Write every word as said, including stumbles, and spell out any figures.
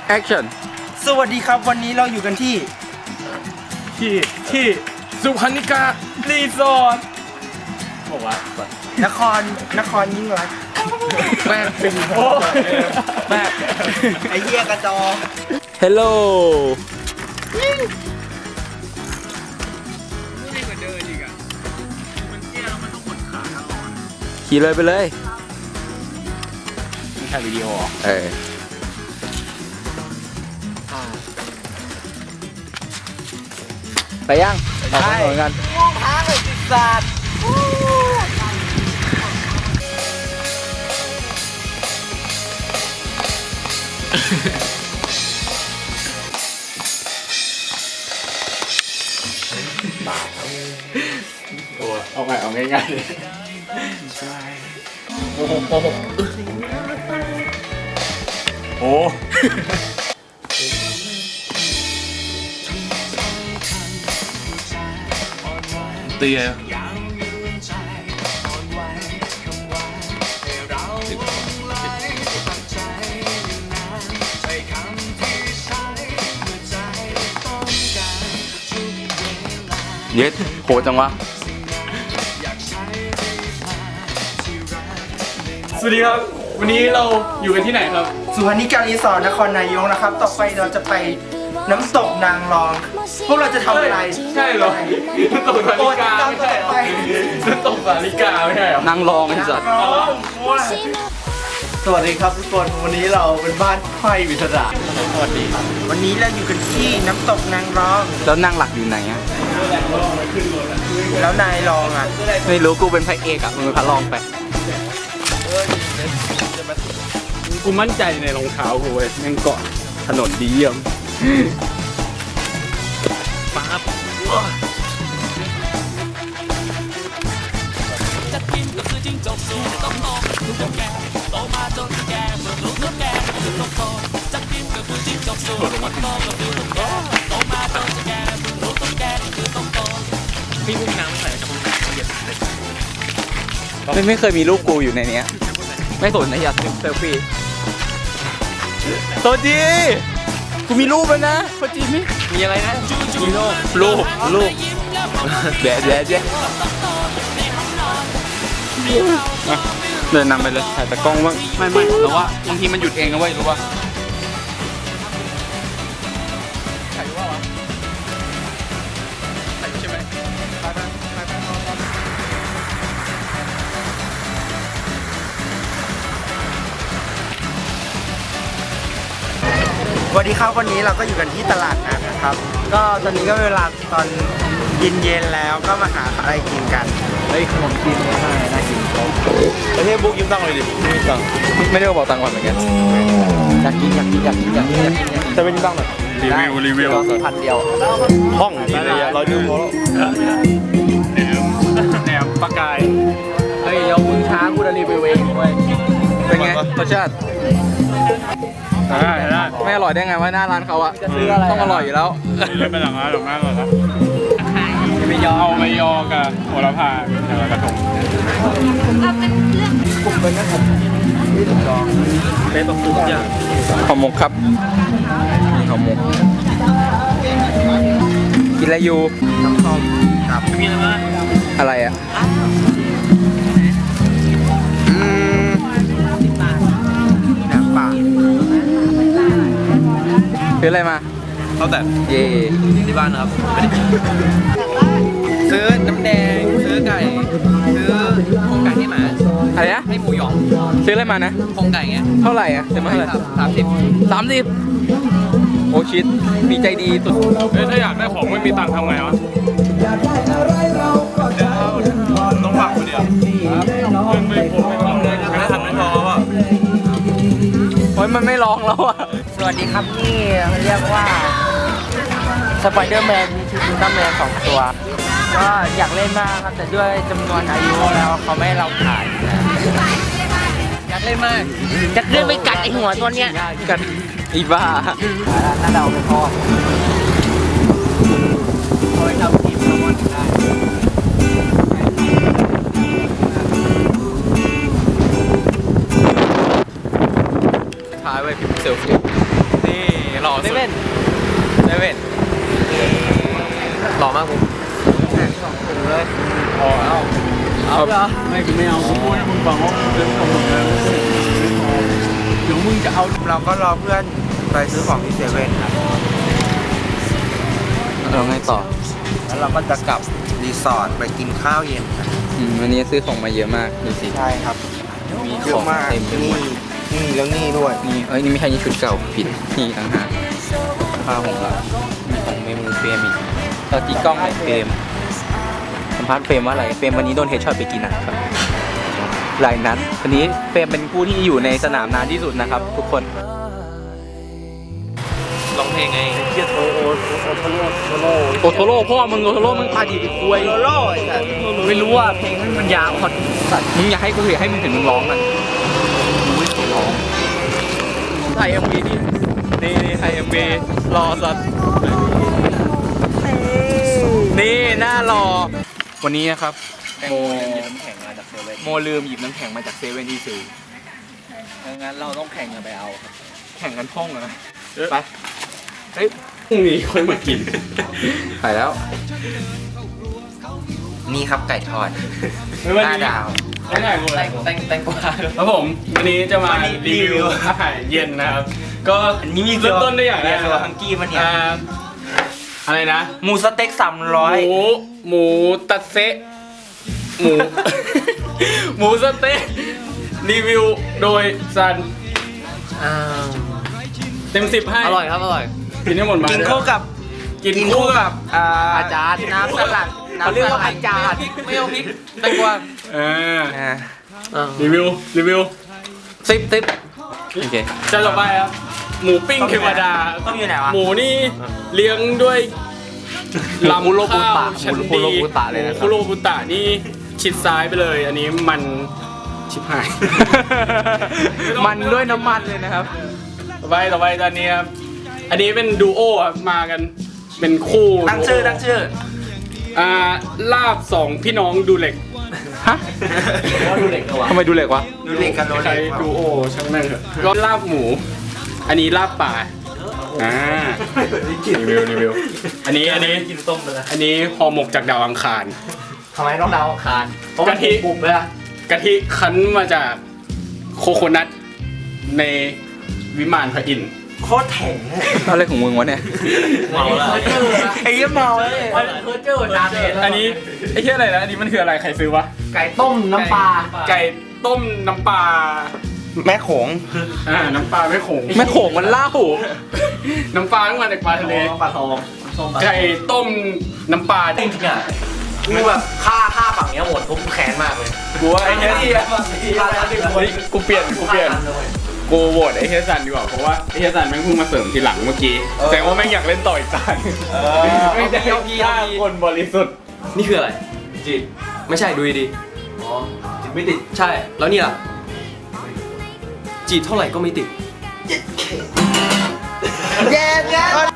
action สวัสดีครับวันนี้เราอยู่กันที่ที่ที่สุพรรณิการีสอร์ทบอกว่านครนครยิ่งรักแม่เป็นโอ้แม่ไอ้เหี้ยกระจอ hello ขี่เลยไปเลยไม่ใช่วิดีโอเออไปยังออกถนนกันม่วงท้าเลยสิสัตว์เอาไงเอาง่ายๆเลยโอ้โหโอ้โหโอ้เตี้ยเย็ดโหจังวะสวัสดีครับวันนี้เราอยู่กันที่ไหนครับสุพรรณิการีสอร์ทนครนายกนะครับ ต่อไปเราจะไปน้ำตกนางรอง พวกเราจะทำอะไรใช่เหรอน้ำตกสาลิกาไม่ใช่เหรอน้ำตกสาลิกาไม่ใช่เหรอนั่งรองไอ้สัตว์สวัสดีครับทุกคนวันนี้เราเป็นบ้านไพ่วิทยาสวัสดีวันนี้เราอยู่กันที่น้ำตกนางรองแล้วนั่งหลักอยู่ไหนอะแล้วนายรองอ่ะไม่รู้กูเป็นพระเอกอะมึงเป็นพระรองไปกูมั่นใจในรองเท้ากูเว้ยแม่งเกาะถนนดีเยี่ยมปั๊บจะกินก็คือจิ้งจกสูงต้องโตลูกแก่โตมาจนแก่เมื่อลูกแก่คือต้องโตจะกินก็คือจิ้งจกสูงต้องโตก็คือลูกแก่โตมาจนแก่เมื่อลูกแก่คือต้องโตพี่พุ่งน้ำไม่ใส่จะพุ่งน้ำเย็นไม่ไม่เคยมีรูปกูอยู่ในเนี้ย ไม่สนนะอยากเซลฟี่โซจีกูมีรูปแล้วนะโซจีนี่มีอะไรนะมีรูปรูปรูปแดดแดดแดดเดินนำไปเลยถ่ายตะกล้องบ้างไม่ไม่แต่ว่าบางทีมันหยุดเองนะเว้ยรู้ป่ะถ่ายว่าวะถ่ายใช่ไหมถ่ายไปถ่ายไปนอนนอนสวัสดีครับวันนี้เราก็อยู่กันที่ตลาดนัดนะครับ ก็ตอนนี้ก็เวลาตอนเย็นๆแล้วก็มาหาอะไรกินกันเฮ้ยขนมจีนน่าน่ากินเขาประเทศบุ๊กยืมตังค์เลยดิยืมตังค์ไม่ได้บอกตังค์ก่อนเหมือนกันอยากกินอยากกินอยากกินอยากกินอยากกินอยากกินจะเป็นยืมตังค์หน่อยรีวิวรีวิวก็สี่พันเดียวห้องดีเลยอะเราดูพอแล้วแหนมแหนมปลากายเฮ้ยเดี๋ยวมึงช้ากูจะรีวิวเองเว้ยเป็นไงรสชาติได้ได้ไม่อร่อยได้ไงว่าหน้าร้านเขาอะต้องอร่อยอยู่แล้วนี่เลยเป็นหลังร้านหลังร้านก่อนนะไม่ยอเอาไม่ยอกับโหระพาอย่างละกระทงเป็นแบบทุกอย่างห่อหมกครับห่อหมกกินอะไรอยู่น้ำส้มครับมีอะไรบ้างอะไรอะอืมแหนมป่าซื้ออะไรมาเขาแต่เย่ที่บ้านนะครับซื้อน้ำแดงซื้อไก่ซื้อโครงไก่ให้หมาอะไรนะให้หมูหยองซื้ออะไรมานะโครงไก่ไงเท่าไหร่อะซื้อมาเท่าไหร่สามสิบสามสิบโอชิตมีใจดีสุดเฮ้ยถ้าอยากได้ของไม่มีตังค์ทำไงวะต้องฝากคนเดียวครับเงินไม่พอไม่พอไม่ได้ทำไม่พอป่ะโอ้ยมันไม่ร้องแล้วอะสวัสดีครับนี่เรียกว่าสไปเดอร์แมนมีชุดอุลตร้าแมนสองตัว ก็อยากเล่นมากครับแต่ด้วยจำนวนอายุแล้วเขาไม่ให้เราขายนะอยากเล่นมากจะเล่นไปกัดไอหัวตัวเนี้ยกันอีบ้าถ้าเราไม่พอเอาไปทำทีมแซลมอนได้ท้ายไว้พิมพ์เซลฟี่นี่สุดเซเว่นเซเว่นหล่อมากผมสองถุงเลยพอแล้วเอาเหรอไม่กูไม่เอากูพูดให้มึงฟังว่ามึงเป็นของมึงแล้วเดี๋ยวมึงจะเอาเราก็รอเพื่อนไปซื้อของที่เซเว่นครับเราไงต่อแล้วเราก็จะกลับรีสอร์ทไปกินข้าวเย็นกันอืมวันนี้ซื้อของมาเยอะมากดูสิใช่ครับมีเยขออะงมากเต็มไปหมนี่ดนี่แล้วนี่ด้วยนี่เอ้ยนี่ไม่ใช่นี่ชุดเก่าผิดนี่ต่างหากผ้าของเรามีของเมมูเฟรมอีกเราตีกล้องในเฟรมสัมภาษณ์เฟรมว่าอะไรเฟรมวันนี้โดนเฮดช็อตไปกี่นัดครับหลายนัดวันนี้เฟรมเป็นผู้ที่อยู่ในสนามนานที่สุดนะครับ ทุกคนร้องเพลงไงเกียร์โอโอโอโทโร่โทโร่โอโทโร่พ่อมึงโอโทโร่มึงพาดีไปคุยโทโร่แต่ไม่รู้ว่าเพลงมันยาวพอสัตว์มึงอยากให้กูเห็นให้มึงถึงมึงร้องมันมึงไม่เคยร้องถ่ายเอ็มวีนี่นี่นี่ถ่ายเอ็มวีรอสัตว์นี่หน้ารอวันนี้นะครับโมโมลืมหยิบน้ำแข็งมาจากเซเว่นที่ซื้องั้นเราต้องแข่งกันไปเอาครับแข่งกันพ่องเหรอไปเฮ้ยพรุ่งนี้ค่อยมากินถ่ายแล้วนี่ครับไก่ทอดไม่ว่าห้าดีดาวไม่ได้กูแตเลยงแตงแตงกวาครับผมวันนี้จะมาวันนี้รีรีวิวิววอาหารเย็นนะครับ ก็อันนี้มีเริ่มต้นด้วยอย่างแรกเรือฮังกี้มันเนี่ยอ่าอะไรนะหมูสเต็กสามร้อหยมูหมูตัดเซะหมู หมูสเต๊ะรีวิวโดยซันเต็มสิบให้อร่อยครับอร่อยกินให้หมดมากินด้วยคู่กับกินคู่กับอ่าอาจารย์น้ำสลัดเขาเรียกว่าอาจารย์ไม่เอาพริกแตงกวาเอออ่ารีวิวรีวิวสิบสิบโอเคจะต่อไปครับหมูปิ้งเทวดาต้องอยู่ไหนวะหมูนี่เลี้ยงด้วยลำคุโรบุข้าวตะชั้นคุดีโรบุตะเลยนะครับคุโรบุตะนี่ชิดซ้ายไปเลย อันนี้มันชิบหายมันด้วยน้ำมันเลยนะครับต่อไปต่อไปตอนนี้ครับอันนี้เป็นดูโอครับมากันเป็นคู่ตั้งชื่อตั้งชื่ออ่าลาบสองพี่น้องดูเหล็กฮะดูเด็กวะทำไมดูเหล็กวะดูเด็กกันโดนใครเด็กดูโอช่างแม่งเถอะก็ลาบหมู อันนี้ลาบป่าอ่ารีวิวรีวิวอันนี้อันนี้กินต้มไปแล้วอันนี้ห่อหมกจากดาวอังคารทำไมต้องดาวอังคารกะทิบุบเลยอะกะทิคั้นมาจากโคโคนัทในวิมานพระอินทร์โคตรแข็งอะไรของมึงวะเนี่ยเมาแล้วไอ้เหี้ยเมาเลยเพอร์เจอร์น้ำเด็ดอันนี้ไอ้เหี้ยอะไรนะอันนี้มันคืออะไรใครซื้อวะไก่ต้มน้ำปลาไก่ต้มน้ำปลาแม่โขงอ่าน้ำปลาไม่ขงแม่โขงมันเล่าน้ำปลาต้องมาจากปลาทะเลปลาทองไก่ต้มน้ำปลาจริงๆอ่ะคือแบบฆ่าฆ่าฝั่งเนี้ยหมดปุ๊บแค้นมากเลยกูว่าไอ้เหี้ยฆ่าแล้วดิเฮ้ยกูเปลี่ยนกูเปลี่ยนกูโหวตไอ้เฮียซันดีกว่าเพราะว่าไอ้เฮียซันแม่งเพิ่งมาเสริมทีหลังเมื่อกี้แสดงว่าแม่งอยากเล่นต่ออีกตาหนึ่งไม่ได้ฆ่าคนบริสุทธิ์นี่คืออะไรจีดไม่ใช่ดูดีๆอ๋อจีดไม่ติดใช่แล้วนี่ล่ะจีดเท่าไหร่ก็ไม่ติดแย่แย่